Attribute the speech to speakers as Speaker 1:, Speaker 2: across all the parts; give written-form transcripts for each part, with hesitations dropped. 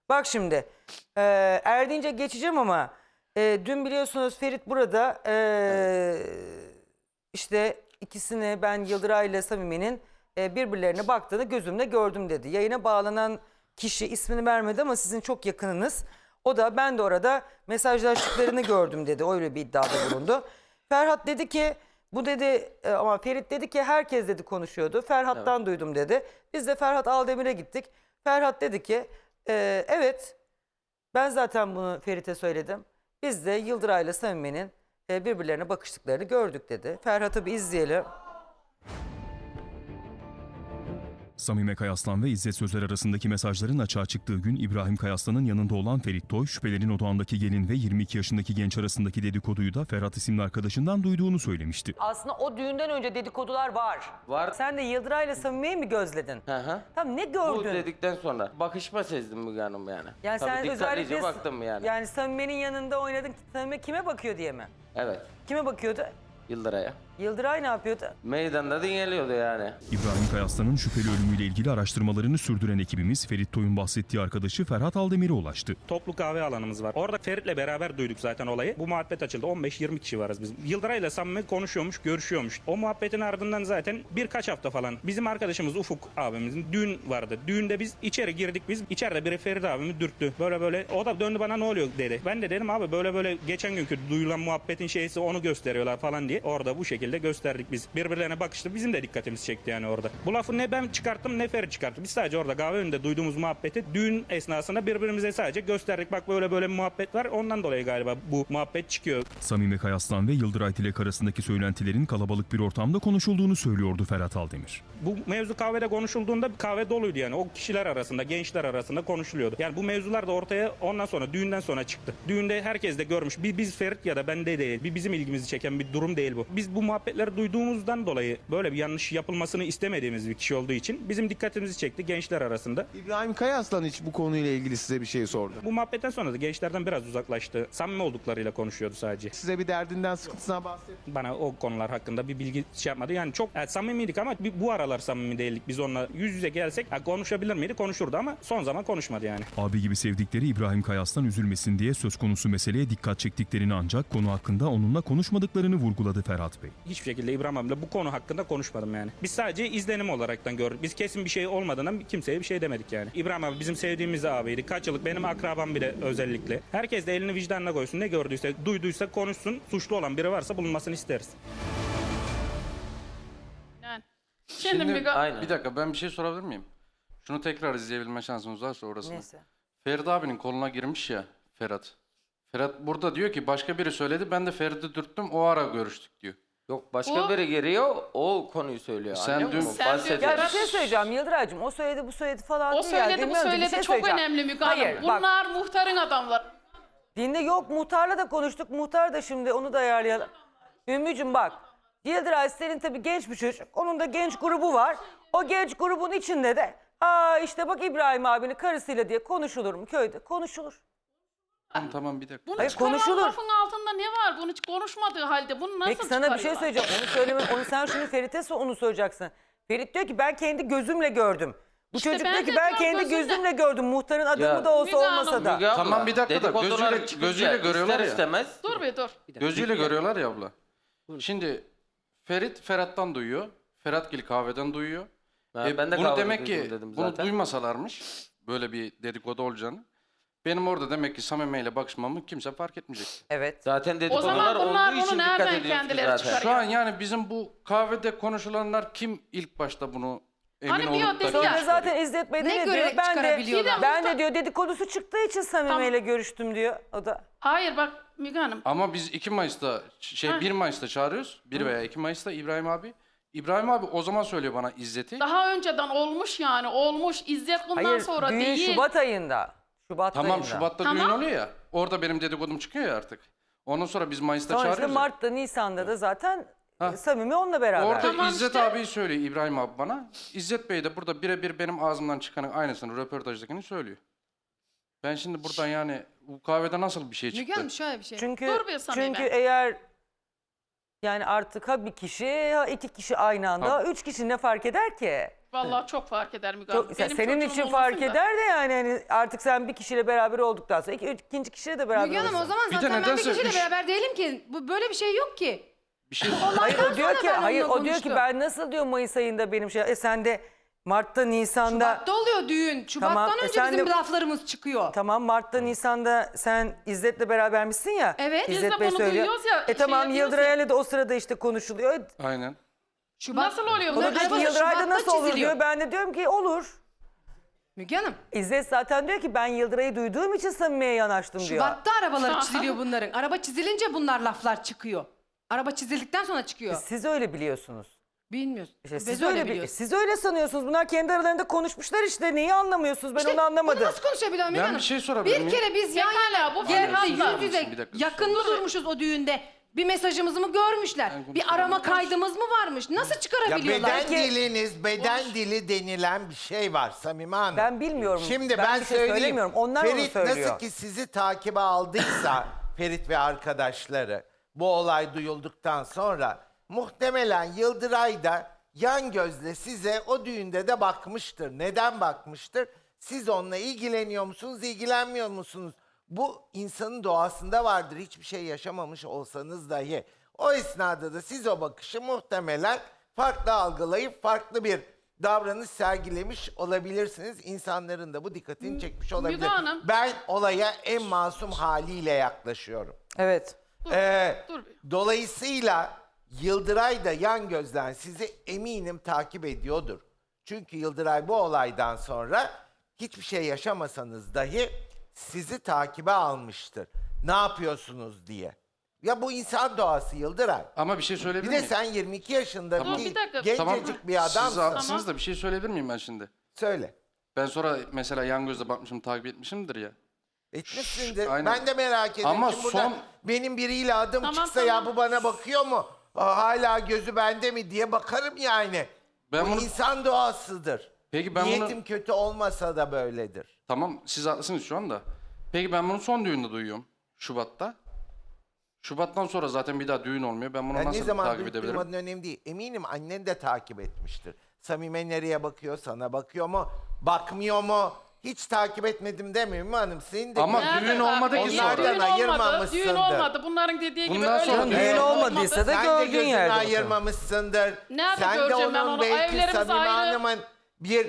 Speaker 1: Bak şimdi Erdinç'e geçeceğim ama dün biliyorsunuz Ferit burada işte ikisini ben Yıldıray ile Samime'nin birbirlerine baktığını gözümle gördüm dedi. Yayına bağlanan kişi ismini vermedi ama sizin çok yakınınız. O da ben de orada mesajlaştıklarını gördüm dedi. Öyle bir iddiada bulundu. Ferhat dedi ki bu dedi ama Ferit dedi ki herkes dedi konuşuyordu. Ferhat'tan duydum dedi. Biz de Ferhat Aldemir'e gittik. Ferhat dedi ki evet ben zaten bunu Ferit'e söyledim. Biz de Yıldıray'la Samime'nin birbirlerine bakıştıklarını gördük dedi. Ferhat'ı bir izleyelim.
Speaker 2: Samime Kayaslan ve İzzet Sözer arasındaki mesajların açığa çıktığı gün İbrahim Kayaslan'ın yanında olan Ferit Toy, şüphelerin odağındaki gelin ve 22 yaşındaki genç arasındaki dedikoduyu da Ferhat isimli arkadaşından duyduğunu söylemişti.
Speaker 1: Aslında o düğünden önce dedikodular var.
Speaker 3: Var.
Speaker 1: Sen de Yıldıray'la Samime'yi mi gözledin?
Speaker 3: Hı.
Speaker 1: Tamam ne
Speaker 3: Bu
Speaker 1: gördün?
Speaker 3: dedikten sonra bakışma sezdim Müge Hanım yani.
Speaker 1: Yani
Speaker 3: Tabii
Speaker 1: sen
Speaker 3: dikkatlice
Speaker 1: özellikle
Speaker 3: baktım yani.
Speaker 1: Yani Samime'nin yanında oynadın. Samime kime bakıyor diye mi?
Speaker 3: Evet.
Speaker 1: Kime bakıyordu?
Speaker 3: Yıldıray'a.
Speaker 1: Yıldıray ne yapıyordu?
Speaker 3: Meydanda dinleniyordu yani.
Speaker 2: İbrahim Kayaslan'ın şüpheli ölümüyle ilgili araştırmalarını sürdüren ekibimiz Ferit Toy'un bahsettiği arkadaşı Ferhat Aldemir'e ulaştı.
Speaker 4: Toplu kahve alanımız var. Orada Ferit'le beraber duyduk zaten olayı. Bu muhabbet açıldı. 15-20 kişi varız biz. Yıldıray'la Samimi konuşuyormuş, görüşüyormuş. O muhabbetin ardından zaten birkaç hafta falan bizim arkadaşımız Ufuk abimizin düğün vardı. Düğünde biz içeri girdik biz. İçeride biri Ferit abimi dürttü. Böyle o da döndü bana ne oluyor dedi. Ben de dedim abi böyle geçen günkü duyulan muhabbetin şeysi onu gösteriyorlar falan diye. Orada bu şekilde gösterdik biz. Birbirlerine bakıştı. Bizim de dikkatimizi çekti yani orada. Bu lafı ne ben çıkarttım ne Ferit çıkarttı. Biz sadece orada kahve önünde duyduğumuz muhabbeti düğün esnasında birbirimize sadece gösterdik. Bak böyle bir muhabbet var. Ondan dolayı galiba bu muhabbet çıkıyor.
Speaker 2: Samime Kayaslan ve Yıldıray Tilek arasındaki söylentilerin kalabalık bir ortamda konuşulduğunu söylüyordu Ferhat Aldemir.
Speaker 4: Bu mevzu kahvede konuşulduğunda kahve doluydu yani. O kişiler arasında, gençler arasında konuşuluyordu. Yani bu mevzular da ortaya ondan sonra, düğünden sonra çıktı. Düğünde herkes de görmüş. Biz Ferit ya da bende değil. Bizim ilgimizi çeken bir durum değil bu. Biz bu muhabbetleri duyduğumuzdan dolayı böyle bir yanlış yapılmasını istemediğimiz bir kişi olduğu için bizim dikkatimizi çekti gençler arasında.
Speaker 5: İbrahim Kayaslan hiç bu konuyla ilgili size bir şey sordu.
Speaker 4: Bu muhabbetten sonra da gençlerden biraz uzaklaştı. Samimi olduklarıyla konuşuyordu sadece.
Speaker 5: Size bir derdinden, sıkıntısından bahsetti.
Speaker 4: Bana o konular hakkında bir bilgi şey yapmadı. Yani çok samimiydik ama bu aralar samimi değildik. Biz onunla yüz yüze gelsek konuşabilir miydi? Konuşurdu ama son zaman konuşmadı yani.
Speaker 2: Abi gibi sevdikleri İbrahim Kayaslan üzülmesin diye söz konusu meseleye dikkat çektiklerini ancak konu hakkında onunla konuşmadıklarını vurguladı Ferhat Bey.
Speaker 4: Hiçbir şekilde İbrahim abiyle bu konu hakkında konuşmadım yani. Biz sadece izlenim olaraktan gördük. Biz kesin bir şey olmadığından kimseye bir şey demedik yani. İbrahim abi bizim sevdiğimiz abiydi. Kaç yıllık benim akrabam bile özellikle. Herkes de elini vicdanına koysun. Ne gördüyse, duyduysa konuşsun. Suçlu olan biri varsa bulunmasını isteriz.
Speaker 6: Yani. Şimdi
Speaker 3: Aynen.
Speaker 7: Bir dakika ben bir şey sorabilir miyim? Şunu tekrar izleyebilme şansımız varsa orasını.
Speaker 1: Neyse.
Speaker 7: Ferit abinin koluna girmiş ya Ferhat. Ferhat burada diyor ki başka biri söyledi ben de Ferit'i dürttüm o ara görüştük diyor.
Speaker 3: Yok başka biri geliyor o konuyu söylüyor.
Speaker 7: Sen
Speaker 3: Anlıyor
Speaker 7: dün-
Speaker 3: musun?
Speaker 6: Sen
Speaker 3: Bahsediyor.
Speaker 1: Ya bir şey söyleyeceğim Yıldıray'cığım o söyledi bu söyledi falan
Speaker 6: o
Speaker 1: değil ya.
Speaker 6: söyledi bu
Speaker 1: Dinliyorum, bir
Speaker 6: söyledi
Speaker 1: şey
Speaker 6: çok
Speaker 1: söyleyeceğim.
Speaker 6: önemli Müge Hanım.
Speaker 1: Hayır, bak.
Speaker 6: Bunlar muhtarın adamları.
Speaker 1: Dinle yok muhtarla da konuştuk. Muhtar da şimdi onu da ayarlayalım. Ümmücüm bak. Yıldıray senin tabii genç bir çocuk. Onun da genç grubu var. O genç grubun içinde de işte bak İbrahim abinin karısıyla diye konuşulur mu köyde? Konuşulur.
Speaker 7: Tamam bir dakika.
Speaker 6: Bunu
Speaker 1: Hayır,
Speaker 6: çıkaran
Speaker 1: konuşulur.
Speaker 6: lafın altında ne var? Bunu hiç konuşmadığı halde bunu nasıl
Speaker 1: Peki sana bir şey
Speaker 6: çıkarıyorlar?
Speaker 1: söyleyeceğim. Onu sen şimdi Ferit'e onu söyleyeceksin. Ferit diyor ki ben kendi gözümle gördüm. Bu
Speaker 6: İşte
Speaker 1: çocuk
Speaker 6: ben
Speaker 1: diyor ki
Speaker 6: de
Speaker 1: ben
Speaker 6: diyorum,
Speaker 1: kendi
Speaker 6: gözümle.
Speaker 1: gözümle gördüm. Muhtarın adamı
Speaker 3: Ya,
Speaker 1: da olsa
Speaker 6: Müge Hanım,
Speaker 1: olmasa da.
Speaker 3: Müge abla,
Speaker 7: Tamam, bir dakika da
Speaker 3: dedikodular
Speaker 7: gözüyle-
Speaker 3: çıkınca
Speaker 7: gözüyle görüyorlar
Speaker 3: ister
Speaker 7: ya.
Speaker 3: istemez.
Speaker 6: Dur bir dur.
Speaker 7: Gözüyle görüyorlar ya abla. Şimdi Ferit Ferhat'tan duyuyor. Feratgil kahveden duyuyor.
Speaker 3: Ben de
Speaker 7: bunu
Speaker 3: kahvede
Speaker 7: demek ki
Speaker 3: duydum dedim
Speaker 7: bunu
Speaker 3: zaten.
Speaker 7: duymasalarmış böyle bir dedikodu olacağını. Benim orada demek ki Samime ile bakışmamı kimse fark etmeyecek.
Speaker 1: Evet.
Speaker 3: Zaten
Speaker 6: O
Speaker 3: dedikodular
Speaker 6: zaman bunlar
Speaker 3: olduğu için
Speaker 6: bunu
Speaker 3: dikkat
Speaker 6: nereden
Speaker 3: ediyoruz ki
Speaker 6: kendileri
Speaker 3: zaten.
Speaker 6: çıkarıyor?
Speaker 7: Şu an yani bizim bu kahvede konuşulanlar kim ilk başta bunu emin
Speaker 6: Hani bir o
Speaker 7: olup da
Speaker 6: dedi
Speaker 1: Sonra
Speaker 6: ya.
Speaker 7: kim
Speaker 1: zaten İzzet Bey de
Speaker 8: Ne
Speaker 1: ne diyor?
Speaker 8: görerek
Speaker 1: Ben de,
Speaker 8: çıkarabiliyorlar?
Speaker 1: ben de diyor dedikodusu çıktığı için Samime ile görüştüm diyor. O da.
Speaker 6: Hayır bak Müge Hanım.
Speaker 7: Ama biz 2 Mayıs'ta 1 Mayıs'ta çağırıyoruz. 1 veya 2 Mayıs'ta İbrahim abi. İbrahim abi o zaman söylüyor bana İzzet'i.
Speaker 6: Daha önceden olmuş yani olmuş. İzzet bundan
Speaker 1: Hayır
Speaker 6: sonra
Speaker 1: düğün
Speaker 6: değil.
Speaker 1: Şubat ayında. Şubat
Speaker 7: Tamam
Speaker 1: ayında.
Speaker 7: Şubat'ta
Speaker 6: Tamam.
Speaker 7: düğün oluyor ya. Orada benim dedikodum çıkıyor ya artık. Ondan sonra biz Mayıs'ta
Speaker 1: Sonra işte
Speaker 7: çağırıyoruz. ya.
Speaker 1: Mart'ta Nisan'da da zaten
Speaker 7: Ha.
Speaker 1: Samimi onunla beraber.
Speaker 7: Orada
Speaker 6: Tamam
Speaker 7: İzzet
Speaker 6: işte.
Speaker 7: abiyi söylüyor İbrahim abi bana. İzzet Bey de burada birebir benim ağzımdan çıkanın aynısını röportajdakini söylüyor. Ben şimdi buradan yani bu kahvede nasıl bir şey
Speaker 8: Müge
Speaker 7: çıktı?
Speaker 8: Hanım şöyle bir şey.
Speaker 1: Çünkü
Speaker 6: Dur bir Samime.
Speaker 1: çünkü eğer yani artık ha bir kişi ha iki kişi aynı anda
Speaker 7: Tabii.
Speaker 1: ha üç kişi ne fark eder ki?
Speaker 6: Vallahi çok fark eder Müge Hanım.
Speaker 1: Çok,
Speaker 6: Benim
Speaker 1: senin
Speaker 6: çocuğum
Speaker 1: için fark
Speaker 6: olmasın da.
Speaker 1: eder de yani hani artık sen bir kişiyle beraber olduktan sonra ikinci kişiyle de beraber
Speaker 8: Müge Hanım o
Speaker 1: olursun.
Speaker 8: zaman
Speaker 7: Bir de
Speaker 8: zaten ben bir
Speaker 7: nedense
Speaker 8: kişiyle
Speaker 7: üç-
Speaker 8: beraber değilim ki. Bu böyle bir şey yok ki.
Speaker 7: Bir şey
Speaker 1: Hayır o diyor ki
Speaker 8: ben
Speaker 1: hayır
Speaker 8: onunla
Speaker 1: o diyor ki
Speaker 8: konuştum.
Speaker 1: ben nasıl diyor Mayıs ayında benim şey sen de Mart'ta Nisan'da
Speaker 8: Şubat'ta oluyor düğün. Şubat'tan
Speaker 1: Tamam,
Speaker 8: önce
Speaker 1: sen
Speaker 8: bizim
Speaker 1: de-
Speaker 8: laflarımız çıkıyor.
Speaker 1: tamam Mart'ta Nisan'da sen İzzet'le berabermişsin ya.
Speaker 8: Evet.
Speaker 6: Biz de
Speaker 1: İzzet Bey
Speaker 6: bunu
Speaker 1: söylüyor.
Speaker 6: duyuyoruz ya, şey
Speaker 1: Tamam
Speaker 6: yapıyoruz
Speaker 1: Yıldıray'la da o sırada işte konuşuluyor.
Speaker 7: aynen.
Speaker 6: Nasıl oluyor?
Speaker 1: O da
Speaker 6: Bunlar
Speaker 1: diyor ki
Speaker 8: arabası
Speaker 1: Yıldıray'da
Speaker 8: Şubat'ta
Speaker 1: nasıl olur
Speaker 8: çiziliyor.
Speaker 1: diyor. Ben de diyorum ki olur.
Speaker 8: Müge Hanım
Speaker 1: İzzet zaten diyor ki ben Yıldıray'ı duyduğum için Samimiye'ye yanaştım diyor.
Speaker 8: Şubat'ta arabaları çiziliyor bunların. Araba çizilince bunlar laflar çıkıyor. Araba çizildikten sonra çıkıyor.
Speaker 1: Siz öyle biliyorsunuz.
Speaker 8: Bilmiyoruz.
Speaker 1: İşte
Speaker 8: Biz
Speaker 1: siz
Speaker 8: öyle
Speaker 1: öyle
Speaker 8: biliyoruz.
Speaker 1: siz öyle sanıyorsunuz. Bunlar kendi aralarında konuşmuşlar işte. Neyi anlamıyorsunuz? Ben
Speaker 8: İşte
Speaker 1: onu anlamadım.
Speaker 8: Bunu nasıl konuşabiliyorum Müge
Speaker 7: Ben
Speaker 8: Hanım?
Speaker 7: bir şey sorabilir
Speaker 8: Bir
Speaker 7: miyim?
Speaker 8: kere biz yan
Speaker 6: Pekala,
Speaker 8: yana
Speaker 6: bu
Speaker 8: geldi
Speaker 6: Ferhat'la.
Speaker 8: yüz yüze
Speaker 7: Bir dakika,
Speaker 8: yakınlı durmuşuz o düğünde. Bir mesajımızı mı görmüşler?
Speaker 7: Ben
Speaker 8: Bir arama kaydımız mı varmış? Nasıl
Speaker 9: Ya
Speaker 8: çıkarabiliyorlar?
Speaker 9: beden diliniz, beden dili denilen bir şey var Samime Hanım.
Speaker 1: Ben bilmiyorum.
Speaker 9: Şimdi
Speaker 1: Ben
Speaker 9: ben,
Speaker 1: bir şey
Speaker 9: söyleyeyim.
Speaker 1: söylemiyorum. Onlar onu
Speaker 9: Ferit
Speaker 1: söylüyor.
Speaker 9: nasıl ki sizi takibe aldıysa Ferit ve arkadaşları bu olay duyulduktan sonra muhtemelen Yıldıray da yan gözle size o düğünde de bakmıştır. Neden bakmıştır? Siz onunla ilgileniyor musunuz, ilgilenmiyor musunuz? Bu insanın doğasında vardır. Hiçbir şey yaşamamış olsanız dahi. O esnada da siz o bakışı muhtemelen farklı algılayıp farklı bir davranış sergilemiş olabilirsiniz. İnsanların da bu dikkatini çekmiş olabilir.
Speaker 6: Hanım.
Speaker 9: Ben olaya en masum haliyle yaklaşıyorum.
Speaker 1: Evet.
Speaker 6: Dur.
Speaker 9: Dolayısıyla Yıldıray da yan gözden sizi eminim takip ediyordur. Çünkü Yıldıray bu olaydan sonra hiçbir şey yaşamasanız dahi sizi takibe almıştır. Ne yapıyorsunuz diye. Ya bu insan doğası Yıldıray.
Speaker 7: Ama bir şey
Speaker 9: Bir
Speaker 7: söyleyebilir
Speaker 9: de
Speaker 7: miyim?
Speaker 9: sen 22 yaşındaki
Speaker 6: Dur, bir dakika.
Speaker 9: gencecik bir
Speaker 7: Siz
Speaker 9: adamsın.
Speaker 7: haklısınız da bir şey söyleyebilir miyim ben şimdi?
Speaker 9: Söyle.
Speaker 7: Ben sonra mesela yan gözle bakmışım, takip etmişimdir ya.
Speaker 9: Etmişsindir.
Speaker 7: Aynen.
Speaker 9: Ben de merak ediyorum.
Speaker 7: Ama
Speaker 9: Şimdi burada
Speaker 7: son-
Speaker 9: benim biriyle adım
Speaker 6: Tamam,
Speaker 9: çıksa ya
Speaker 6: tamam.
Speaker 9: bu bana bakıyor mu? Hala gözü bende mi diye bakarım yani.
Speaker 7: Ben
Speaker 9: bu
Speaker 7: bunu-
Speaker 9: insan doğasıdır.
Speaker 7: Peki ben
Speaker 9: Niyetim
Speaker 7: bunu...
Speaker 9: kötü olmasa da böyledir.
Speaker 7: Tamam siz haklısınız şu anda. Peki ben bunu son düğünde duyuyorum. Şubat'ta. Şubat'tan sonra zaten bir daha düğün olmuyor. Ben bunu
Speaker 9: Yani ne
Speaker 7: nasıl
Speaker 9: zaman
Speaker 7: takip
Speaker 9: duyup
Speaker 7: edebilirim?
Speaker 9: duymadığın önemli değil. Eminim annen de takip etmiştir. Samime nereye bakıyor, sana bakıyor mu, bakmıyor mu? Hiç takip etmedim demiyorum hanım. Senin de
Speaker 7: Ama
Speaker 6: Nerede?
Speaker 7: düğün olmadı ki
Speaker 6: Onlardan
Speaker 7: sonra.
Speaker 6: Düğün olmadı.
Speaker 9: ayırmamışsındır.
Speaker 6: Düğün olmadı. Bunların dediği gibi
Speaker 7: Bundan
Speaker 6: öyle
Speaker 7: sonra
Speaker 6: bir
Speaker 7: düğün
Speaker 1: Düğün
Speaker 6: olmadı.
Speaker 1: olmadıysa da
Speaker 9: Sen de
Speaker 1: gördüğün
Speaker 9: gözünü
Speaker 1: yerde bakalım.
Speaker 9: ayırmamışsındır.
Speaker 6: Nerede
Speaker 9: Sen de
Speaker 6: göreceğim ben
Speaker 9: onun
Speaker 6: onu?
Speaker 9: belki
Speaker 6: Evlerimiz
Speaker 9: Samime
Speaker 6: ayrı.
Speaker 9: Hanım'ın bir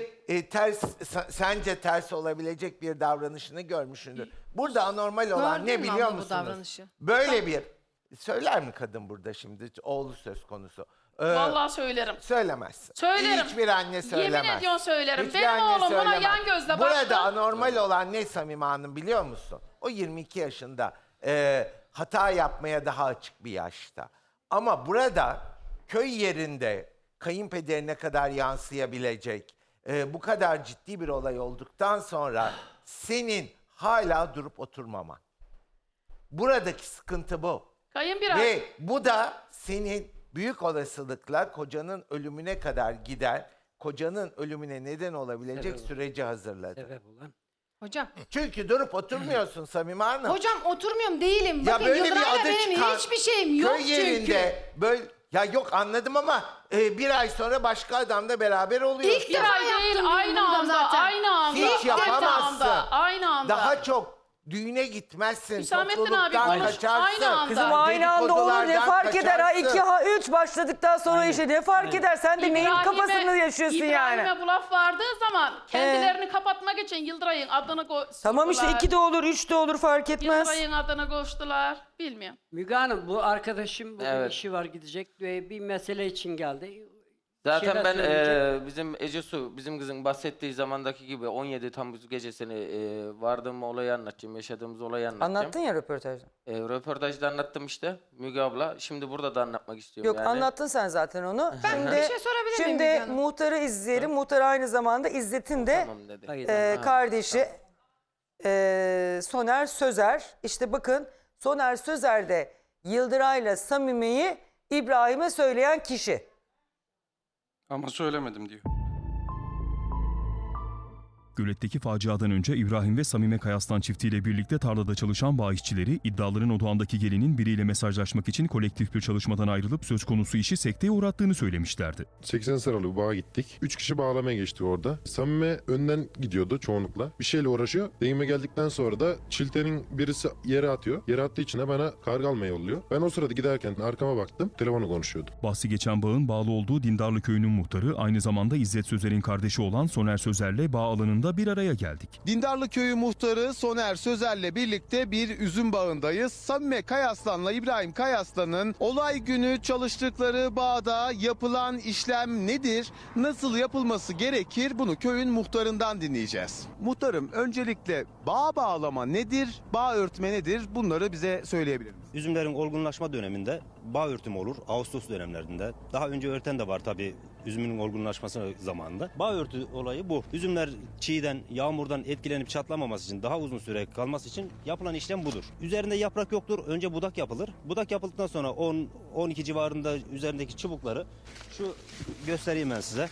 Speaker 9: sence ters olabilecek bir davranışını görmüşsündür. Burada anormal olan
Speaker 8: Gördün
Speaker 9: ne
Speaker 8: mü
Speaker 9: biliyor
Speaker 8: abla bu
Speaker 9: musunuz?
Speaker 8: davranışı?
Speaker 9: Böyle bir söyler mi kadın burada şimdi oğlu söz konusu?
Speaker 6: Vallahi söylerim.
Speaker 9: Söylemezsin.
Speaker 6: Söylerim.
Speaker 9: Hiçbir anne söylemez.
Speaker 6: Yemin ediyorum söylerim.
Speaker 9: Hiçbir
Speaker 6: Benim
Speaker 9: anne
Speaker 6: oğlum buna
Speaker 9: söylemez.
Speaker 6: yan gözle
Speaker 9: Burada
Speaker 6: baktı.
Speaker 9: anormal olan ne Samime Hanım biliyor musun? O 22 yaşında hata yapmaya daha açık bir yaşta. Ama burada köy yerinde kayınpederine kadar yansıyabilecek bu kadar ciddi bir olay olduktan sonra senin hala durup oturmaman. Buradaki sıkıntı bu.
Speaker 6: Kayınbirader.
Speaker 9: Ve bu da senin büyük olasılıkla kocanın ölümüne kadar gider, kocanın ölümüne neden olabilecek süreci hazırladı.
Speaker 8: Hocam.
Speaker 9: Çünkü durup oturmuyorsun Samime Hanım.
Speaker 8: Hocam oturmuyorum değilim.
Speaker 9: Ya
Speaker 8: Bakın
Speaker 9: böyle bir
Speaker 8: Yıldıray'la
Speaker 9: adı
Speaker 8: benim
Speaker 9: çıkan
Speaker 8: hiçbir şeyim yok
Speaker 9: köy yerinde
Speaker 8: çünkü.
Speaker 9: böyle ya yok anladım ama bir ay sonra başka adamla beraber oluyorsun.
Speaker 8: İlk
Speaker 6: Bir
Speaker 8: defa
Speaker 6: ay değil,
Speaker 8: yaptım
Speaker 6: aynı
Speaker 8: bunu
Speaker 6: anda,
Speaker 8: zaten.
Speaker 6: aynı anda.
Speaker 9: Hiç
Speaker 6: aynı
Speaker 9: yapamazsın.
Speaker 6: anda, aynı anda.
Speaker 9: Daha çok düğüne gitmezsin,
Speaker 6: Hüsamettin abi
Speaker 9: topluluktan
Speaker 6: konuş,
Speaker 9: kaçarsın.
Speaker 6: aynı anda.
Speaker 1: Kızım aynı anda olur ne
Speaker 9: dedikodulardan
Speaker 1: fark eder ha
Speaker 9: kaçarsın.
Speaker 1: 2 ha 3 başladıktan sonra işte ne fark eder sen de neyin kafasını yaşıyorsun yani.
Speaker 6: İbrahim'e bu laf vardığı zaman kendilerini kapatmak için Yıldıray'ın adını
Speaker 1: Tamam işte 2 de olur 3 de olur fark etmez.
Speaker 6: Yıldıray'ın adını koştular. Bilmiyorum.
Speaker 10: Müge Hanım bu arkadaşım bugün
Speaker 3: Evet.
Speaker 10: işi var gidecek ve bir mesele için geldi.
Speaker 3: Zaten
Speaker 10: şeyler
Speaker 3: ben
Speaker 10: söyleyecek.
Speaker 3: bizim Ecesu, bizim kızın bahsettiği zamandaki gibi 17 Temmuz gecesini vardığım olayı anlatacağım, yaşadığımız olayı anlatacağım.
Speaker 1: Anlattın ya röportajda.
Speaker 3: Röportajda anlattım işte Müge abla. Şimdi burada da anlatmak istiyorum
Speaker 1: Yok
Speaker 3: yani.
Speaker 1: anlattın sen zaten onu. Şimdi,
Speaker 8: bir şey sorabilir miyim
Speaker 1: Şimdi
Speaker 8: Müge Hanım?
Speaker 1: muhtarı izleyelim. Muhtar aynı zamanda İzzet'in de
Speaker 3: Tamam dedi.
Speaker 10: Hayır.
Speaker 1: kardeşi Soner Sözer. İşte bakın Soner Sözer de Yıldıray'la Samime'yi İbrahim'e söyleyen kişi.
Speaker 7: Ama söylemedim diyor.
Speaker 2: Akgölet'teki faciadan önce İbrahim ve Samime Kayaslan çiftiyle birlikte tarlada çalışan bağ işçileri iddiaların odağındaki gelinin biriyle mesajlaşmak için kolektif bir çalışmadan ayrılıp söz konusu işi sekteye uğrattığını söylemişlerdi.
Speaker 11: 80 sıralı bir bağa gittik. 3 kişi bağlamaya geçti orada. Samime önden gidiyordu çoğunlukla. Bir şeyle uğraşıyor. Deyime geldikten sonra da çiltenin birisi yere atıyor. Yere attığı için de bana karga almaya yolluyor. Ben o sırada giderken arkama baktım. Telefonu konuşuyordu.
Speaker 2: Bahsi geçen bağın bağlı olduğu Dindarlı Köyü'nün muhtarı, aynı zamanda İzzet Sözer'in kardeşi olan Soner Sözer'le bağ alanında bir araya geldik.
Speaker 5: Dindarlı Köyü muhtarı Soner Sözer'le birlikte bir üzüm bağındayız. Samime Kayaslan'la İbrahim Kayaslan'ın olay günü çalıştıkları bağda yapılan işlem nedir? Nasıl yapılması gerekir? Bunu köyün muhtarından dinleyeceğiz. Muhtarım, öncelikle bağ bağlama nedir? Bağ örtme nedir? Bunları bize söyleyebilir misiniz?
Speaker 12: Üzümlerin olgunlaşma döneminde bağ örtümü olur. Ağustos dönemlerinde. Daha önce örten de var tabii üzümün olgunlaşması zamanında. Bağ örtü olayı bu. Üzümler çiğden, yağmurdan etkilenip çatlamaması için, daha uzun süre kalması için yapılan işlem budur. Üzerinde yaprak yoktur. Önce budak yapılır. Budak yapıldıktan sonra 10-12 civarında üzerindeki çubukları, şu göstereyim ben size.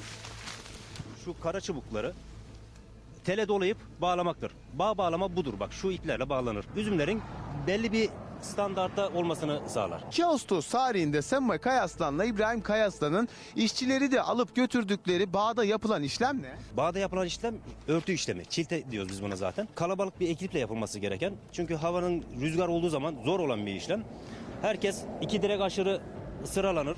Speaker 12: Şu kara çubukları tele dolayıp bağlamaktır. Bağ bağlama budur. Bak şu iplerle bağlanır. Üzümlerin belli bir standartta olmasını sağlar.
Speaker 5: 2 Ağustos tarihinde Samime Kayaslan'la İbrahim Kayaslan'ın işçileri de alıp götürdükleri bağda yapılan işlem ne?
Speaker 12: Bağda yapılan işlem örtü işlemi. Çilte diyoruz biz buna zaten. Kalabalık bir ekiple yapılması gereken. Çünkü havanın rüzgar olduğu zaman zor olan bir işlem. Herkes 2 direk aşırı sıralanır.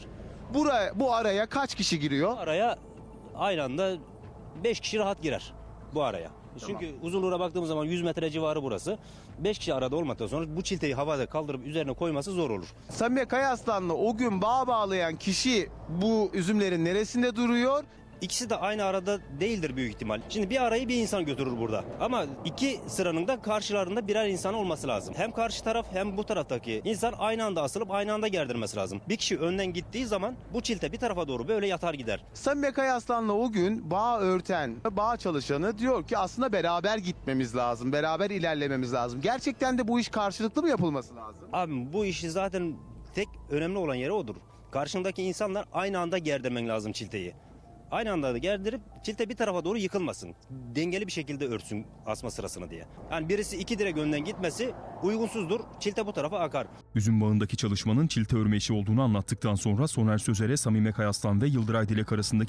Speaker 5: Bu araya kaç kişi giriyor?
Speaker 12: Araya aynı anda 5 kişi rahat girer bu araya. Çünkü uzunluğuna baktığımız zaman 100 metre civarı burası. 5 kişi arada olmadıktan sonra bu çilteyi havada kaldırıp üzerine koyması zor olur.
Speaker 5: Samime Kayaslan'la o gün bağ bağlayan kişi bu üzümlerin neresinde duruyor?
Speaker 12: İkisi de aynı arada değildir büyük ihtimal. Şimdi bir arayı bir insan götürür burada. Ama 2 sıranın da karşılarında birer insan olması lazım. Hem karşı taraf hem bu taraftaki insan aynı anda asılıp aynı anda gerdirmesi lazım. Bir kişi önden gittiği zaman bu çilte bir tarafa doğru böyle yatar gider.
Speaker 5: Samime Kayaslan'la o gün bağ örten, bağ çalışanı diyor ki aslında beraber gitmemiz lazım, beraber ilerlememiz lazım. Gerçekten de bu iş karşılıklı mı yapılması lazım?
Speaker 12: Abi bu işi zaten tek önemli olan yeri odur. Karşındaki insanlar aynı anda gerdirmen lazım çilteyi. Aynı anda da gerdirip çilte bir tarafa doğru yıkılmasın. Dengeli bir şekilde örtsün asma sırasını diye. Yani birisi 2 direk önden gitmesi uygunsuzdur. Çilte bu tarafa akar.
Speaker 2: Üzüm bağındaki çalışmanın çilte örme işi olduğunu anlattıktan sonra Soner Sözer'e Samime Kayaslan ve Yıldıray Dilek arasındaki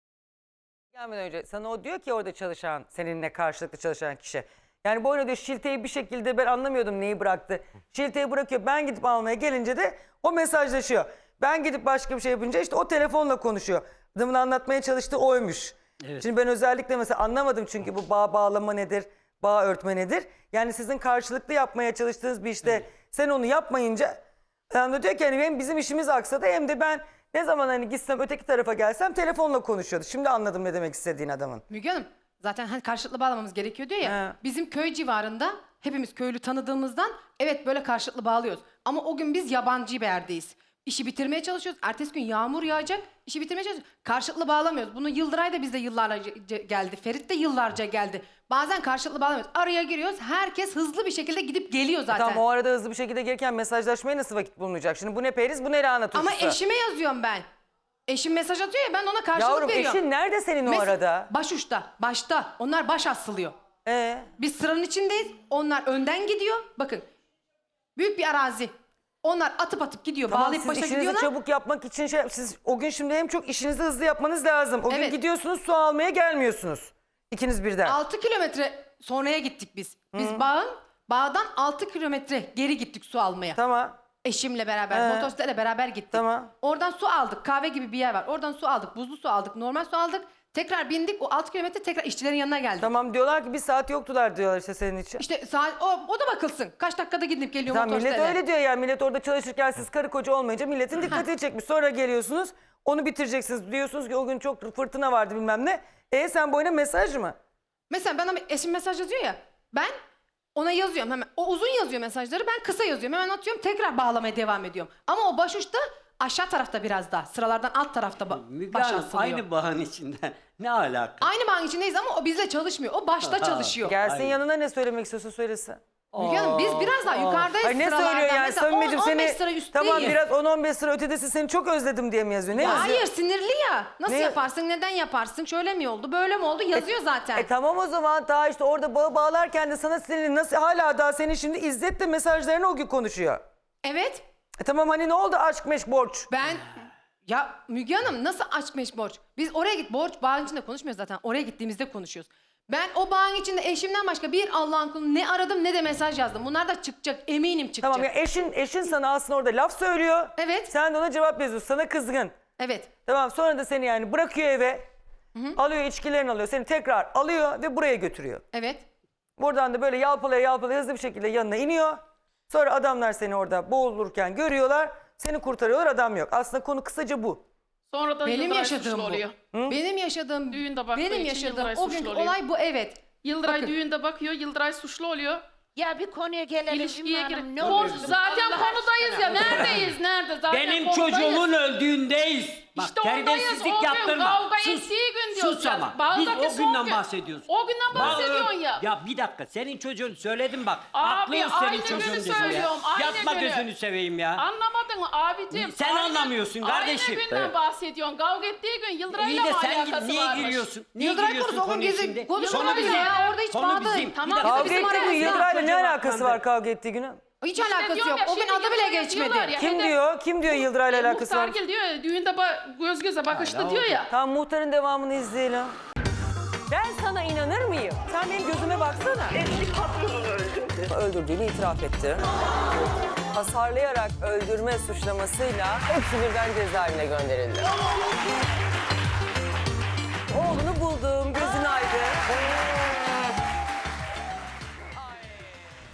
Speaker 1: Gelmeden önce sana o diyor ki orada çalışan, seninle karşılıklı çalışan kişi. Yani bu arada diyor şilteyi bir şekilde ben anlamıyordum neyi bıraktı. Şilteyi bırakıyor, ben gidip almaya gelince de o mesajlaşıyor. Ben gidip başka bir şey yapınca işte o telefonla konuşuyor. Adamın anlatmaya çalıştığı oymuş.
Speaker 10: Evet.
Speaker 1: Şimdi ben özellikle mesela anlamadım çünkü bu bağ bağlama nedir, bağ örtme nedir? Yani sizin karşılıklı yapmaya çalıştığınız bir işte sen onu yapmayınca adam da diyor ki hani hem bizim işimiz aksadı hem de ben ne zaman hani gitsem öteki tarafa gelsem telefonla konuşuyordu. Şimdi anladım ne demek istediğini adamın.
Speaker 8: Müge Hanım zaten hani karşılıklı bağlamamız gerekiyor diyor ya.
Speaker 1: He.
Speaker 8: Bizim köy civarında hepimiz köylü tanıdığımızdan evet böyle karşılıklı bağlıyoruz. Ama o gün biz yabancı bir yerdeyiz. İşi bitirmeye çalışıyoruz. Ertesi gün yağmur yağacak. İşi bitirmeye çalışıyoruz. Karşılıklı bağlamıyoruz. Bunu Yıldıray da bizde yıllarca geldi. Ferit de yıllarca geldi. Bazen karşılıklı bağlamıyoruz. Araya giriyoruz. Herkes hızlı bir şekilde gidip geliyor zaten.
Speaker 1: Tamam o arada hızlı bir şekilde gelirken mesajlaşmaya nasıl vakit bulunacak? Şimdi bu ne periz bu ne lahana turşusu.
Speaker 8: Ama eşime yazıyorum ben. Eşim mesaj atıyor ya ben ona karşılık
Speaker 1: Yavrum
Speaker 8: veriyorum.
Speaker 1: eşin nerede senin o arada?
Speaker 8: Başuçta. Başta. Onlar baş asılıyor. Biz sıranın içindeyiz. Onlar önden gidiyor. Bakın. Büyük bir arazi. Onlar atıp gidiyor.
Speaker 1: Tamam
Speaker 8: Bağlayıp
Speaker 1: siz
Speaker 8: başa
Speaker 1: işinizi
Speaker 8: gidiyorlar.
Speaker 1: çabuk yapmak için siz o gün şimdi hem çok işinizi hızlı yapmanız lazım. O gün
Speaker 8: Evet.
Speaker 1: gidiyorsunuz su almaya gelmiyorsunuz. İkiniz birden.
Speaker 8: 6 kilometre sonraya gittik biz. Biz bağdan 6 kilometre geri gittik su almaya.
Speaker 1: Tamam.
Speaker 8: Eşimle beraber, motosikletle beraber gittik.
Speaker 1: Tamam.
Speaker 8: Oradan su aldık. Kahve gibi bir yer var. Oradan su aldık. Buzlu su aldık. Normal su aldık. Tekrar bindik. O 6 kilometre tekrar işçilerin yanına geldik.
Speaker 1: Tamam diyorlar ki bir saat yoktular diyorlar işte senin için.
Speaker 8: İşte saat, o da bakılsın. Kaç dakikada gidip geliyor
Speaker 1: Tamam millet
Speaker 8: motosikletle.
Speaker 1: öyle diyor yani millet orada çalışırken siz karı koca olmayınca milletin dikkatini çekmiş. Sonra geliyorsunuz onu bitireceksiniz diyorsunuz ki o gün çok fırtına vardı bilmem ne. Sen boyuna mesaj mı?
Speaker 8: Mesela bana eşim mesaj yazıyor ya. Ben ona yazıyorum hemen. O uzun yazıyor mesajları. Ben kısa yazıyorum. Hemen atıyorum. Tekrar bağlamaya devam ediyorum. Ama o başuçta aşağı tarafta biraz daha. Sıralardan alt tarafta
Speaker 10: Müge
Speaker 8: baş
Speaker 10: Hanım
Speaker 8: asılıyor.
Speaker 10: aynı bağın içinde. Ne alaka?
Speaker 8: Aynı bağın içindeyiz ama o bizle çalışmıyor. O başta çalışıyor.
Speaker 1: Gelsin
Speaker 10: Aynen.
Speaker 1: yanına ne söylemek istiyorsa söylesin.
Speaker 8: Müge Hanım biz biraz daha yukarıdayız
Speaker 1: Ay ne
Speaker 8: sıralardan.
Speaker 1: söylüyor yani
Speaker 8: Mesela
Speaker 1: Samimeciğim
Speaker 8: 10-15
Speaker 1: seni
Speaker 8: sıra üstteyiz.
Speaker 1: tamam biraz 10-15 sıra ötedesin seni çok özledim diye mi yazıyor? Ne
Speaker 8: Ya
Speaker 1: yazıyor?
Speaker 8: hayır sinirli ya. Nasıl
Speaker 1: Ne?
Speaker 8: yaparsın, neden yaparsın, şöyle mi oldu, böyle mi oldu yazıyor zaten.
Speaker 1: Tamam o zaman daha işte orada bağı bağlarken de sana sinirli nasıl hala daha senin şimdi İzzet de mesajlarını o gün konuşuyor.
Speaker 8: Evet.
Speaker 1: Tamam hani ne oldu aşk meşk borç?
Speaker 8: Ben ya Müge Hanım nasıl aşk meşk borç? Biz oraya git borç bağın içinde konuşmuyoruz zaten. Oraya gittiğimizde konuşuyoruz. Ben o bağın içinde eşimden başka bir Allah'ın kulu ne aradım ne de mesaj yazdım. Bunlar da çıkacak eminim çıkacak.
Speaker 1: Tamam ya eşin sana aslında orada laf söylüyor.
Speaker 8: Evet.
Speaker 1: Sen de ona cevap yazıyorsun sana kızgın.
Speaker 8: Evet.
Speaker 1: Tamam sonra da seni yani bırakıyor eve. Alıyor içkilerini alıyor seni tekrar alıyor ve buraya götürüyor.
Speaker 8: Evet.
Speaker 1: Buradan da böyle yalpalaya hızlı bir şekilde yanına iniyor. Sonra adamlar seni orada boğulurken görüyorlar. Seni kurtarıyorlar adam yok. Aslında konu kısaca bu.
Speaker 6: Sonradan
Speaker 8: Benim
Speaker 6: Yıldıray
Speaker 8: yaşadığım
Speaker 6: suçlu
Speaker 8: bu.
Speaker 6: oluyor.
Speaker 8: Benim yaşadığım,
Speaker 6: Düğünde baktığı
Speaker 8: benim
Speaker 6: için
Speaker 8: yaşadığım
Speaker 6: Yıldıray
Speaker 8: o
Speaker 6: suçlu
Speaker 8: günkü
Speaker 6: oluyor.
Speaker 8: olay bu evet.
Speaker 6: Yıldıray
Speaker 8: Bakın.
Speaker 6: düğünde bakıyor, Yıldıray suçlu oluyor.
Speaker 13: Ya bir konuya gelelim
Speaker 6: İlişkiye
Speaker 13: Ümmü Hanım,
Speaker 6: girip...
Speaker 13: ne olur.
Speaker 6: Zaten konudayız ya. Neredeyiz? Nerede? Zaten
Speaker 10: Benim
Speaker 6: konudayız.
Speaker 10: çocuğumun öldüğündeyiz. Bak
Speaker 6: İşte oradayız.
Speaker 10: terbiyesizlik
Speaker 6: O gün
Speaker 10: yaptırma.
Speaker 6: kavga
Speaker 10: Sus.
Speaker 6: ettiği gün diyoruz.
Speaker 10: Sus
Speaker 6: ya.
Speaker 10: ama.
Speaker 6: Bağdaki
Speaker 10: Biz o
Speaker 6: son
Speaker 10: günden
Speaker 6: gün.
Speaker 10: bahsediyoruz.
Speaker 6: O günden bahsediyorsun ya.
Speaker 10: Ya bir dakika senin çocuğun söyledim bak.
Speaker 6: Abi,
Speaker 10: Haklıyız senin
Speaker 6: aynı
Speaker 10: çocuğun
Speaker 6: günü
Speaker 10: dedim ya.
Speaker 6: söylüyorum, aynı
Speaker 10: Yapma
Speaker 6: günü.
Speaker 10: gözünü seveyim ya.
Speaker 6: Anlamadın mı abicim?
Speaker 10: Sen anlamıyorsun kardeşim.
Speaker 6: Aynı günden bahsediyorsun. Kavga ettiği gün
Speaker 10: İyi
Speaker 6: Yıldıray'la
Speaker 10: de
Speaker 6: mı
Speaker 10: sen
Speaker 6: alakası
Speaker 10: niye
Speaker 6: varmış?
Speaker 10: giriyorsun? Niye
Speaker 8: Yıldıray
Speaker 10: giriyorsun
Speaker 8: konusu o gün
Speaker 10: konuya
Speaker 8: gezi
Speaker 10: şimdi?
Speaker 8: konuşulmadı
Speaker 6: Yıldıray
Speaker 8: ya. Orada hiç
Speaker 10: Konu
Speaker 8: bağlı.
Speaker 10: bizim.
Speaker 6: Tamam,
Speaker 10: Bir dakika.
Speaker 1: Kavga
Speaker 8: bizim
Speaker 1: ettiği gün
Speaker 8: aramızda.
Speaker 1: Yıldıray'la ne
Speaker 10: Çocuğa
Speaker 1: alakası
Speaker 10: bakmadı.
Speaker 1: var kavga ettiği günün?
Speaker 8: Hiç
Speaker 6: İşte
Speaker 8: alakası
Speaker 6: diyorum
Speaker 8: yok.
Speaker 6: ya,
Speaker 8: O gün
Speaker 6: şimdi
Speaker 8: adı bile
Speaker 6: Yıldıray'a
Speaker 8: geçmedi.
Speaker 6: diyorlar ya.
Speaker 1: Kim diyor? Kim diyor Yıldıray'la alakası var?
Speaker 6: Muhtar diyor ya, düğünde göz göze bakıştı diyor ya.
Speaker 1: Tamam muhtarın devamını izleyelim. Ben sana inanır mıyım? Sen benim gözüme baksana.
Speaker 14: Eski patronunu öldürdü.
Speaker 1: Öldürdüğünü itiraf etti. Hasarlayarak öldürme suçlamasıyla hepsi birden cezaevine gönderildi.